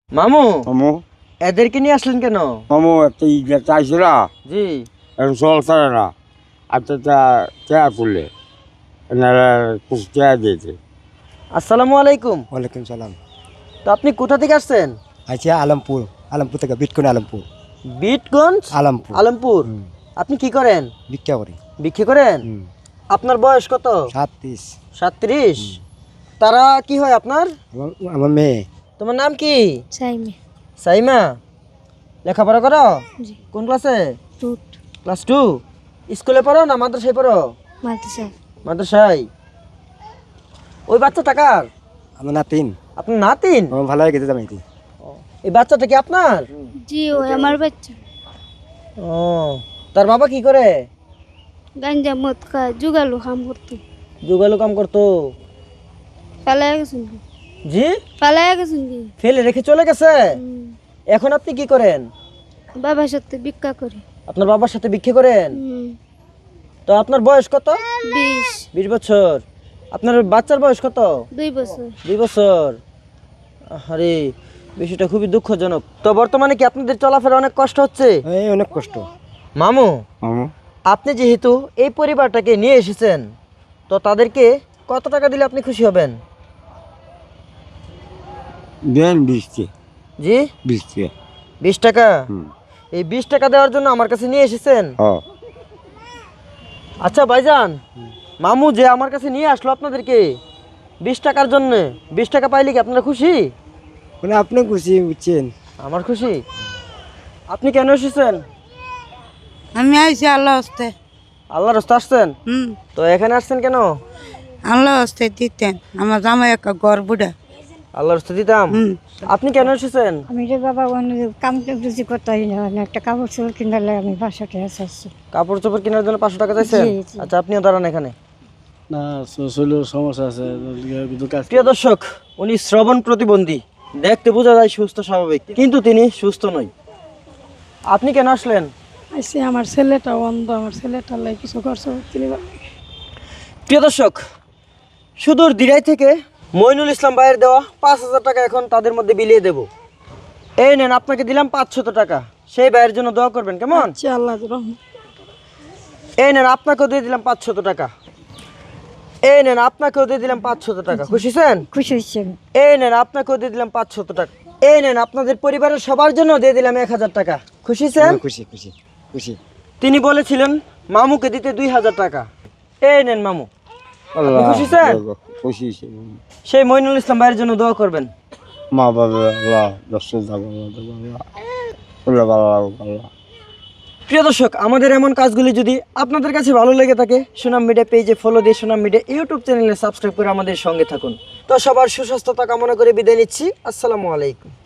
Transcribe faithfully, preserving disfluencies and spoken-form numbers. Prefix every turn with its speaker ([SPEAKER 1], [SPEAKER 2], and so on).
[SPEAKER 1] মামু
[SPEAKER 2] মামু
[SPEAKER 1] এদেরকে নিয়ে আসলেন কেন?
[SPEAKER 2] মামু একটা ইটা চাইছিল
[SPEAKER 1] জি
[SPEAKER 2] এখন চল ছাড়ে না আচ্ছা তা চেয়া করলে এনারা কিছু চেয়া দিয়েছে।
[SPEAKER 1] আসসালামু আলাইকুম।
[SPEAKER 3] ওয়ালাইকুম সালাম।
[SPEAKER 1] তো আপনি কোথা থেকে আসছেন?
[SPEAKER 3] আচ্ছা আলমপুর আলমপুর থেকে বিটকুন আলমপুর
[SPEAKER 1] বিটগঞ্জ
[SPEAKER 3] আলমপুর
[SPEAKER 1] আলমপুর।
[SPEAKER 3] হুম।
[SPEAKER 1] আপনি কি করেন?
[SPEAKER 3] ভিক্ষা করি।
[SPEAKER 1] বিক্রি করেন?
[SPEAKER 3] হুম।
[SPEAKER 1] আপনার বয়স কত?
[SPEAKER 3] সাতত্রিশ।
[SPEAKER 1] সাতত্রিশ। তারা কি হয় আপনার?
[SPEAKER 3] আমার আমার মেয়ে
[SPEAKER 1] তোমার নাম কি?
[SPEAKER 4] সাইমে
[SPEAKER 1] সাইমা। লেখাপড়া করো?
[SPEAKER 4] জি
[SPEAKER 1] কোন ক্লাসে?
[SPEAKER 4] টুট
[SPEAKER 1] ক্লাস টু। স্কুলে পড়ো না মাদ্রাসায় পড়ো?
[SPEAKER 4] মাদ্রাসা
[SPEAKER 1] মাদ্রাসায়। ওই বাচ্চা টাকার
[SPEAKER 3] আমার নাতিন
[SPEAKER 1] আপনার নাতিন?
[SPEAKER 3] আমার ভালো গেছে জামাইতি।
[SPEAKER 1] এই বাচ্চাটা কি আপনার?
[SPEAKER 4] জি ওই আমার বাচ্চা
[SPEAKER 1] ও তার বাবা কি করে?
[SPEAKER 4] গাঞ্জা মদ খায় জুগালু কাম করতো
[SPEAKER 1] জোগালো কাম করতো।
[SPEAKER 4] পালায় গেছেন কি
[SPEAKER 1] জি
[SPEAKER 4] পালায় গেছেন কি
[SPEAKER 1] ফেলে রেখে চলে গেছে।
[SPEAKER 4] হুম।
[SPEAKER 1] এখন আপনি কি করেন?
[SPEAKER 4] বাবার সাথে ভিক্ষা করি
[SPEAKER 1] আপনার বাবার সাথে ভিক্ষে করেন?
[SPEAKER 4] হুম।
[SPEAKER 1] তো আপনার বয়স কত?
[SPEAKER 4] বিশ
[SPEAKER 1] বিশ বছর। আপনার বাচ্চার বয়স কত?
[SPEAKER 4] দুই বছর
[SPEAKER 1] দুই বছর। আরে বিষয়টা খুবই দুঃখজনক। তো বর্তমানে কি আপনাদের চলাফেরা অনেক কষ্ট হচ্ছে?
[SPEAKER 3] এই অনেক কষ্ট।
[SPEAKER 1] মামু
[SPEAKER 2] মামু
[SPEAKER 1] আপনি যেহেতু এই পরিবারটাকে নিয়ে এসেছেন তো তাদেরকে কত টাকা দিলে আপনি খুশি হবেন?
[SPEAKER 2] দেন বৃষ্টি
[SPEAKER 1] জি
[SPEAKER 2] বৃষ্টি
[SPEAKER 1] বিশ টাকা।
[SPEAKER 2] হুম
[SPEAKER 1] এই বিশ টাকা দেওয়ার জন্য আমার কাছে নিয়ে এসেছেন?
[SPEAKER 2] হ্যাঁ
[SPEAKER 1] আচ্ছা ভাইজান, মামু যে আমার কাছে নিয়ে আসলো আপনাদেরকে বিশ টাকার জন্য, বিশ টাকা পাইলে কি আপনারা খুশি?
[SPEAKER 3] মানে আপনি খুশি বুঝছেন।
[SPEAKER 1] আমার খুশি। আপনি কেন এসেছেন?
[SPEAKER 5] আমি আইছি আল্লাহ হস্তে।
[SPEAKER 1] আল্লাহর রাস্তা আসছেন?
[SPEAKER 5] হুম
[SPEAKER 1] তো এখানে আসছেন কেন?
[SPEAKER 5] আল্লাহ হস্তে দিতেন আমার জামাই একটা ঘর বুড়া।
[SPEAKER 1] আল্লাহর রাস্তা দিতাম।
[SPEAKER 5] হুম
[SPEAKER 1] আপনি কেন এসেছেন?
[SPEAKER 6] আমি যে বাবা অন্য কাম রুজি করতে হয় না মানে একটা কাপড় চোপড় কিনলে আমি বাসাতে আসছি।
[SPEAKER 1] কাপড় চোপড় কেনার জন্য পাঁচশো টাকা চাইছেন?
[SPEAKER 6] জি, জি।
[SPEAKER 1] আচ্ছা আপনিও দাঁড়ান এখানে।
[SPEAKER 7] না শরীরের সমস্যা আছে কিন্তু কাজ
[SPEAKER 1] প্রিয় দর্শক, উনি শ্রবণ প্রতিবন্ধী, দেখতে বোঝা যায় সুস্থ স্বাভাবিক, কিন্তু তিনি সুস্থ নয়। আপনি কেন আসলেন?
[SPEAKER 6] আইসি আমার ছেলেটা অন্ধ, আমার ছেলেটার লাই কিছু করছে কিনবা।
[SPEAKER 1] প্রিয় দর্শক, সুদূর দিরাই থেকে মইনুল ইসলাম ভাইয়ের দেওয়া পাঁচ হাজার টাকা এখন তাদের মধ্যে বিলিয়ে দেব। এই নেন, আপনাকে দিলাম পাঁচশত টাকা, সেই ভাইয়ের জন্য দোয়া করবেন কেমন?
[SPEAKER 6] আচ্ছা আল্লাহ রহম।
[SPEAKER 1] এই নেন, আপনাকেও দিয়ে দিলাম পাঁচশত টাকা। এই নেন, আপনাকেও দিয়ে দিলাম পাঁচশত টাকা। খুশি হয়েছেন?
[SPEAKER 6] খুশি হচ্ছে আমি।
[SPEAKER 1] এই নেন, আপনাকেও দিয়ে দিলাম পাঁচশত টাকা। এই নেন, আপনাদের পরিবারের সবার জন্য দিয়ে দিলাম এক হাজার টাকা। খুশি হয়েছেন?
[SPEAKER 3] আমি খুশি খুশি খুশি।
[SPEAKER 1] তিনি বলেছিলেন মামুকে দিতে দুই হাজার টাকা। এই নেন মামু।
[SPEAKER 2] আল্লাহ
[SPEAKER 1] খুশি স্যার?
[SPEAKER 2] খুশি হয়েছে।
[SPEAKER 1] সেই মইনুল ইসলাম ভাইয়ের জন্য দোয়া করবেন।
[SPEAKER 2] মা বাবা আল্লাহ দর্শন থাকো আল্লাহ ভালো লাগো আল্লাহ।
[SPEAKER 1] প্রিয় দর্শক, আমাদের এমন কাজগুলি যদি আপনাদের কাছে ভালো লেগে থাকে, সুনাম মিডিয়া পেজে ফলো দিয়ে সুনাম মিডিয়া ইউটিউব চ্যানেলে সাবস্ক্রাইব করে আমাদের সঙ্গে থাকুন। তো সবার সুস্বাস্থ্যতা কামনা করে বিদায় নিচ্ছি। আসসালামু আলাইকুম।